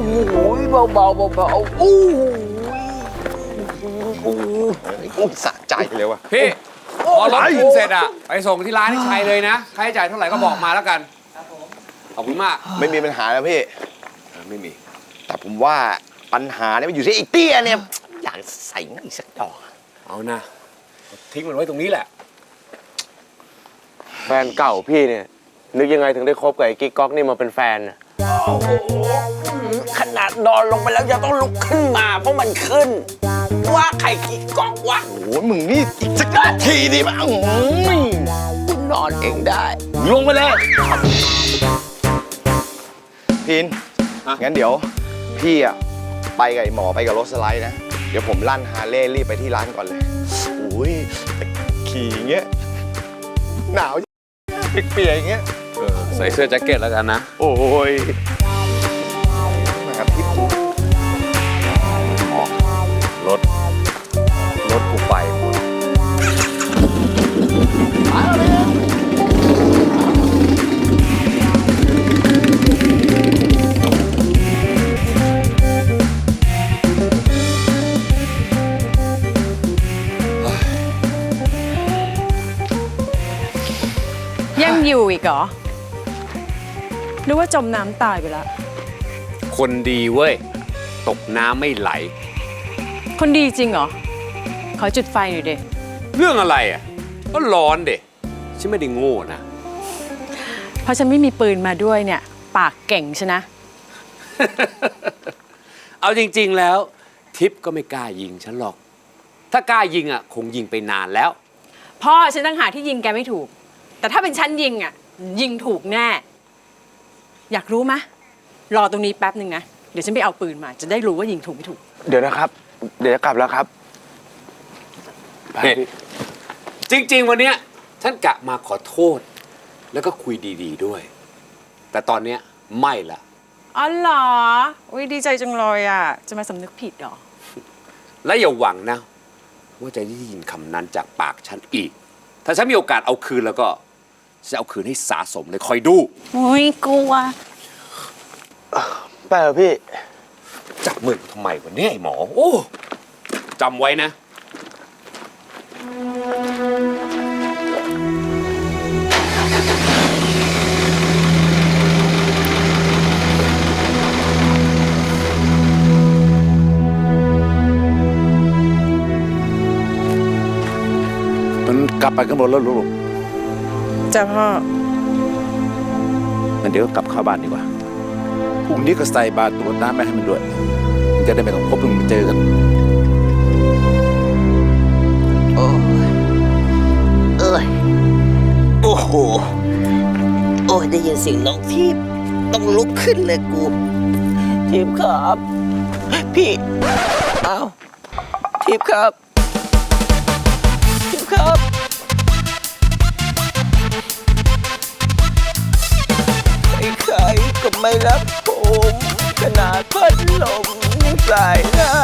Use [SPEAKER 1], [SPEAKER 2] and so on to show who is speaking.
[SPEAKER 1] โหเบาโอ้โหสะใจเลยวะ
[SPEAKER 2] พี่พอรถขึ้นเสร็จอะไปส่งที่ร้านที่ชัยเลยนะค่าใช้จ่ายเท่าไหร่ก็บอกมาแล้วกันขอบคุณมาก
[SPEAKER 1] ไม่มีปัญหาแล้วพี่ไม่มีแต่ผมว่าปัญหาเนี่ยมันอยู่ที่ไอ้เตี้ยเนี่ยอยากใส่อีกสักดอก
[SPEAKER 2] เอานะทิ้งมันไว้ตรงนี้แหละ
[SPEAKER 3] แฟนเก่าพี่เนี่ยนึกยังไงถึงได้คบกับไอ้กิ๊กก๊อกนี่มาเป็นแฟนน่ะ
[SPEAKER 1] โอ้โหขนาดนอนลงไปแล้วยังต้องลุกขึ้นมาเพราะมันขึ้นว่าใครกิ๊กก๊อกวะโอ้โหมึงนี่อีกสักนาทีดิมั้งคุณนอนเองได้ลงไปเลยพินงั้นเดี๋ยวพี่อะไปกับไอ้หมอไปกับรถสไลด์นะเดี๋ยวผมลั่นฮาร์เลย์รีบไปที่ร้านก่อนเลยโอ้ยขี่อย่างเงี้ยหนาวเปียกๆอย่างเงี้ย
[SPEAKER 2] ใส่เสื้อแจ็คเก็ตแล้วกันนะ
[SPEAKER 1] โอ้ยนะครับพี่
[SPEAKER 2] รถกูไปหมด
[SPEAKER 4] ยังอยู่อีกเหรอหรือว่าจมน้ำตายไปแล้ว
[SPEAKER 2] คนดีเว้ยตกน้ำไม่ไหล
[SPEAKER 4] คนดีจริงเหรอขอจุดไฟหน่อยเด็
[SPEAKER 2] เรื่องอะไรอ่ะก็ร้อนเด็ฉันไม่ได้โง่นะ
[SPEAKER 4] เพราะฉันไม่มีปืนมาด้วยเนี่ยปากเก่งใช่นะ
[SPEAKER 2] เอาจริงๆแล้วทิพย์ก็ไม่กล้ายิงฉันหรอกถ้ากล้ายิงอ่ะคงยิงไปนานแล้ว
[SPEAKER 4] พ่อฉันตั้งหาที่ยิงแกไม่ถูกแต่ถ้าเป็นฉันยิงอ่ะยิงถูกแน่อยากรู้มะรอตรงนี้แป๊บหนึ่งนะเดี๋ยวฉันไปเอาปืนมาจะได้รู้ว่ายิงถูกไม่ถูก
[SPEAKER 3] เดี๋ยวนะครับเดี๋ยวจะกลับแล้วครับ
[SPEAKER 2] จริงๆวันเนี้ยฉันกะมาขอโทษแล้วก็คุยดีๆด้วยแต่ตอนเนี้ยไม่ละ
[SPEAKER 4] อ๋อเหรออุ้ยดีใจจังเลยอ่ะจะมาสำนึกผิดหรอ
[SPEAKER 2] และอย่าหวังนะว่าจะได้ยินคำนั้นจากปากฉันอีกถ้าฉันมีโอกาสเอาคืนแล้วก็จะเอาคืนให้สะสมเลยคอยดู
[SPEAKER 4] โอ้ยกลัว
[SPEAKER 3] ไปเหรอพี่
[SPEAKER 2] จับมือทำไมวะเนี่ยไอ้หมอโอ้จำไว้นะ
[SPEAKER 5] มันกลับไปกันหมดแล้วลูก
[SPEAKER 4] จ้าพ่อ
[SPEAKER 5] งั้นเดี๋ยวกลับเข้าบ้านดีกว่าพรุ่งนี้ก็ใส่บาตรตรวจน้ำไปให้มันด้วยมันจะได้ไม่ต้องพบมันเจอกัน
[SPEAKER 1] โอ้โหโอ้ยได้ยินเสียงน้องทิพย์ต้องลุกขึ้นเลยกูทิพย์ครับพี่อ้าวทิพย์ครับทิพย์ครับใครก็ไม่รักผมขนาดพัดลมยังสายหน้า